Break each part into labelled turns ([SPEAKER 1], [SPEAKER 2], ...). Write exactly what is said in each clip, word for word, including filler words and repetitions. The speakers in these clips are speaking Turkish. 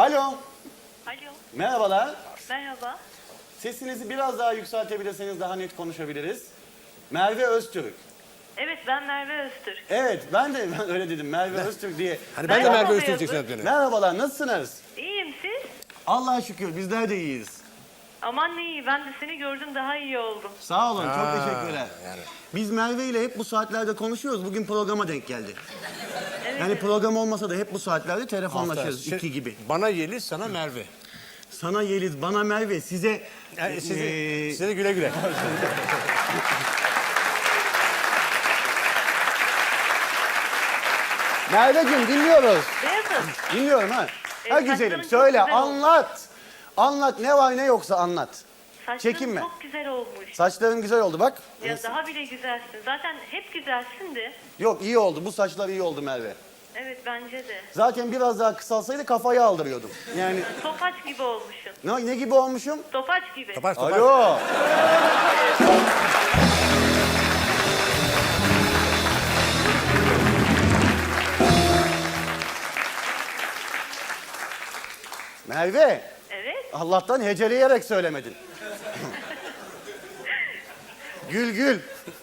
[SPEAKER 1] Alo.
[SPEAKER 2] Alo,
[SPEAKER 1] Merhabalar.
[SPEAKER 2] merhaba.
[SPEAKER 1] Sesinizi biraz daha yükseltebilirseniz daha net konuşabiliriz. Merve Öztürk.
[SPEAKER 2] Evet, ben Merve Öztürk.
[SPEAKER 1] Evet, ben de ben öyle dedim. Merve Öztürk diye.
[SPEAKER 3] Hani ben de
[SPEAKER 2] Merhaba
[SPEAKER 3] Merve Öztürk
[SPEAKER 2] Beyazıt.
[SPEAKER 3] diyeceksin hep beni.
[SPEAKER 1] Merhabalar, nasılsınız?
[SPEAKER 2] İyiyim, siz?
[SPEAKER 1] Allah'a şükür, bizler de iyiyiz.
[SPEAKER 2] Aman ne iyi, ben de seni gördüm, daha iyi oldum.
[SPEAKER 1] Sağ olun, çok
[SPEAKER 3] Aa,
[SPEAKER 1] teşekkürler.
[SPEAKER 3] yani.
[SPEAKER 1] Biz Merve ile hep bu saatlerde konuşuyoruz. Bugün programa denk geldi.
[SPEAKER 2] Evet,
[SPEAKER 1] Yani
[SPEAKER 2] evet.
[SPEAKER 1] program olmasa da hep bu saatlerde telefonlaşıyoruz.
[SPEAKER 3] Hafta.
[SPEAKER 1] iki gibi.
[SPEAKER 3] Bana Yeliz, sana Merve.
[SPEAKER 1] Sana Yeliz, bana Merve, size...
[SPEAKER 3] Yani size,
[SPEAKER 1] Ee,
[SPEAKER 3] size de güle güle.
[SPEAKER 1] Merveciğim dinliyoruz.
[SPEAKER 2] Beyazıt,
[SPEAKER 1] Dinliyorum ha.
[SPEAKER 2] E,
[SPEAKER 1] Ha güzelim,
[SPEAKER 2] saçların çok
[SPEAKER 1] söyle,
[SPEAKER 2] güzel olmuş.
[SPEAKER 1] anlat. Anlat, ne var ne yoksa anlat.
[SPEAKER 2] saçların
[SPEAKER 1] Çekinme.
[SPEAKER 2] çok güzel olmuş.
[SPEAKER 1] Saçların güzel oldu bak.
[SPEAKER 2] Ya daha bile güzelsin. Zaten hep güzelsin de.
[SPEAKER 1] Yok iyi oldu, bu saçlar iyi oldu Merve.
[SPEAKER 2] Evet, bence de.
[SPEAKER 1] Zaten biraz daha kısalsaydı kafayı aldırıyordum. Yani
[SPEAKER 2] Topaç gibi olmuşsun.
[SPEAKER 1] ne, ne gibi olmuşum?
[SPEAKER 2] Topaç gibi.
[SPEAKER 3] Topaç topaç.
[SPEAKER 1] Alo. Merve,
[SPEAKER 2] Evet.
[SPEAKER 1] Allah'tan heceleyerek söylemedin. Gül gül.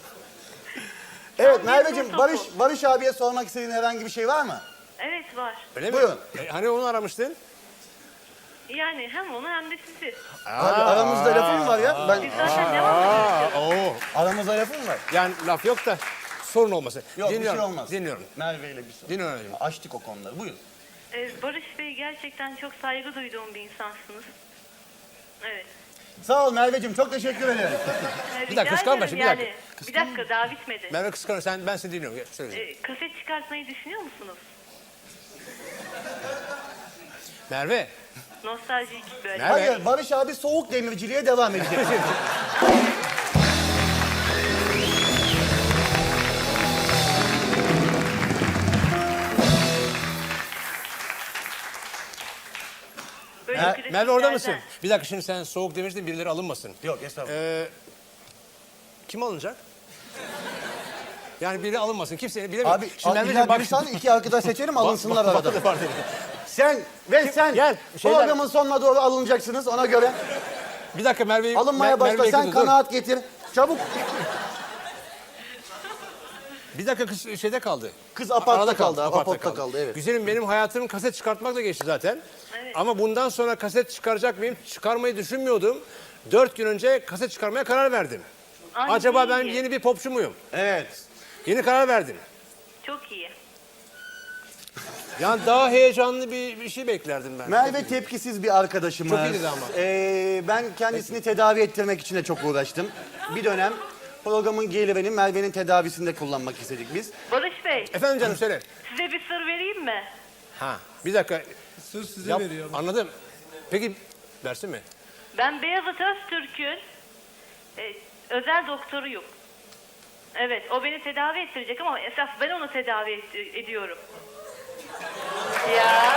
[SPEAKER 1] Evet
[SPEAKER 2] Tam bir
[SPEAKER 1] Merveciğim,
[SPEAKER 2] topu.
[SPEAKER 1] Barış Barış abiye sormak istediğin herhangi bir şey var mı?
[SPEAKER 2] Evet, var.
[SPEAKER 3] Öyle mi?
[SPEAKER 1] Buyurun.
[SPEAKER 3] E, hani onu aramıştın?
[SPEAKER 2] Yani hem onu hem de sizi.
[SPEAKER 1] Abi aramızda lafım var ya. Ben
[SPEAKER 2] Biz zaten devam ediyoruz.
[SPEAKER 3] Aa, oo.
[SPEAKER 1] aramızda lafım var.
[SPEAKER 3] Yani laf yok da sorun olmasın.
[SPEAKER 1] Yok
[SPEAKER 3] Dinliyorum,
[SPEAKER 1] bir şey olmaz.
[SPEAKER 3] Dinliyorum.
[SPEAKER 1] Merve ile bir sorun.
[SPEAKER 3] Dinliyorum.
[SPEAKER 1] Açtık o konuları. Buyurun.
[SPEAKER 2] Ee, Barış Bey, gerçekten çok saygı duyduğum bir insansınız. Evet.
[SPEAKER 1] Sağ ol Merveciğim, çok teşekkür ederim.
[SPEAKER 2] Ee,
[SPEAKER 3] Bir dakika,
[SPEAKER 2] rica
[SPEAKER 3] kıskanma
[SPEAKER 2] ederim
[SPEAKER 3] şimdi, bir dakika.
[SPEAKER 2] yani. Bir dakika, daha bitmedi.
[SPEAKER 3] Merve kıskanır, sen, ben seni dinliyorum. Gel, söyle.
[SPEAKER 2] Ee, kaset çıkartmayı düşünüyor musunuz?
[SPEAKER 3] Merve.
[SPEAKER 2] Nostaljik böyle.
[SPEAKER 3] Merve.
[SPEAKER 1] Hayır, Barış abi soğuk demirciliğe devam edecek.
[SPEAKER 2] Böyle
[SPEAKER 1] Mer-
[SPEAKER 2] klasiklerden.
[SPEAKER 3] Merve orada mısın? Bir dakika, şimdi sen soğuk demiştin, birileri alınmasın.
[SPEAKER 1] Yok estağfurullah.
[SPEAKER 3] Ee, kim alınacak? Yani biri alınmasın. Kimse bilemiyor.
[SPEAKER 1] Abi
[SPEAKER 3] Şimdi
[SPEAKER 1] a-
[SPEAKER 3] Merveciğim
[SPEAKER 1] illa bir saniye iki arkadaş seçelim alınsınlar
[SPEAKER 3] Bak-
[SPEAKER 1] arada.
[SPEAKER 3] bak- bak-
[SPEAKER 1] Sen ve sen
[SPEAKER 3] Gel, şeyler-
[SPEAKER 1] programın sonuna doğru alınacaksınız ona göre.
[SPEAKER 3] Bir dakika Merve'yi...
[SPEAKER 1] Alınmaya
[SPEAKER 3] Mer-
[SPEAKER 1] başla,
[SPEAKER 3] Merve'yi
[SPEAKER 1] sen
[SPEAKER 3] yakaladı, dur.
[SPEAKER 1] kanaat getir. Çabuk.
[SPEAKER 3] Bir dakika kız şeyde kaldı.
[SPEAKER 1] Kız apartta
[SPEAKER 3] Arada
[SPEAKER 1] kaldı,
[SPEAKER 3] apartta
[SPEAKER 1] apartta kaldı, evet.
[SPEAKER 3] Güzelim, benim hayatım kaset çıkartmakla geçti zaten.
[SPEAKER 2] Evet.
[SPEAKER 3] Ama bundan sonra kaset çıkaracak mıyım? Çıkarmayı düşünmüyordum. Dört gün önce kaset çıkarmaya karar verdim.
[SPEAKER 2] Ay,
[SPEAKER 3] Acaba ben
[SPEAKER 2] iyi.
[SPEAKER 3] yeni bir popçu muyum?
[SPEAKER 1] Evet.
[SPEAKER 3] Yeni karar verdim.
[SPEAKER 2] Çok iyi.
[SPEAKER 3] Yani daha heyecanlı bir, bir şey beklerdim ben.
[SPEAKER 1] Merve tepkisiz bir arkadaşımız.
[SPEAKER 3] Çok iyiydi ama.
[SPEAKER 1] Ee, ben kendisini tedavi ettirmek için de çok uğraştım. Bir dönem programın gelirini Merve'nin tedavisinde kullanmak istedik biz.
[SPEAKER 2] Barış Bey,
[SPEAKER 3] Efendim canım, söyle.
[SPEAKER 2] size bir sır vereyim mi?
[SPEAKER 3] Ha, bir dakika.
[SPEAKER 4] Sır size
[SPEAKER 3] Yap,
[SPEAKER 4] veriyor.
[SPEAKER 3] anladım. Peki, versin mi?
[SPEAKER 2] Ben Beyazıt Öztürk'ün e, özel doktoruyum. Evet, o beni tedavi ettirecek ama esas ben onu tedavi et- ediyorum. Ya.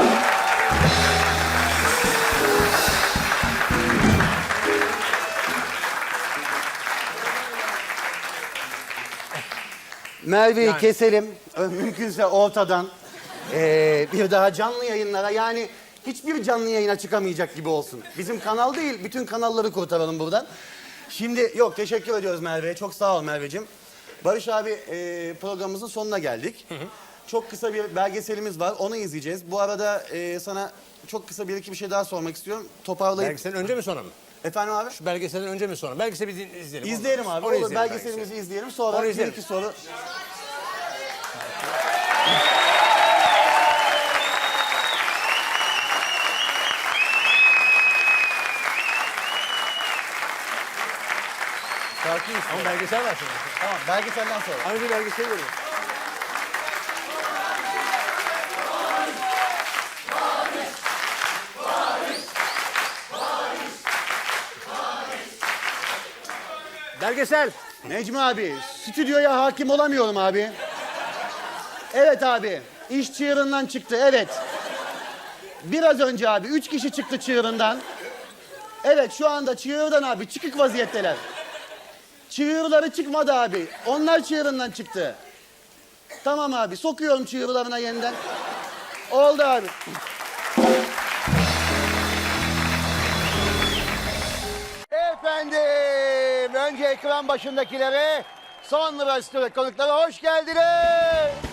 [SPEAKER 1] Merve'yi
[SPEAKER 3] Yani.
[SPEAKER 1] keselim. Ö- Mümkünse ortadan. Ee, bir daha canlı yayınlara, yani hiçbir canlı yayına çıkamayacak gibi olsun. Bizim kanal değil, bütün kanalları kurtaralım buradan. Şimdi yok, teşekkür ediyoruz Merve'ye. Çok sağ ol Merve'cim. Barış abi, e, programımızın sonuna geldik. Çok kısa bir belgeselimiz var, onu izleyeceğiz. Bu arada e, sana çok kısa bir iki bir şey daha sormak istiyorum. Toparlayıp...
[SPEAKER 3] Belgeselden önce mi sonra mı?
[SPEAKER 1] Efendim abi?
[SPEAKER 3] Şu belgeselden önce mi sonra? Belgeseli bir din- izleyelim.
[SPEAKER 1] İzleyelim abi.
[SPEAKER 3] Onu
[SPEAKER 1] Olur,
[SPEAKER 3] izleyelim
[SPEAKER 1] belgeselimizi
[SPEAKER 3] belgeseli.
[SPEAKER 1] izleyelim. Sonra
[SPEAKER 3] Onu
[SPEAKER 1] bir
[SPEAKER 3] izleyelim.
[SPEAKER 1] iki soru. Şarkı istiyor.
[SPEAKER 3] Ama belgesel var şimdi.
[SPEAKER 1] Tamam, belgeselden sonra.
[SPEAKER 3] Ama bir belgesel verelim. Belgesel.
[SPEAKER 1] Necmi abi, stüdyoya hakim olamıyorum abi. Evet abi, iş çığırından çıktı, evet. Biraz önce abi, üç kişi çıktı çığırından. Evet, şu anda çığırdan abi, çıkık vaziyetteler. Çığırları çıkmadı abi, onlar çığırından çıktı. Tamam abi, sokuyorum çığırlarına yeniden. Oldu abi. Önce ekran başındakilere, sonra stüdyo konuklara hoş geldiniz.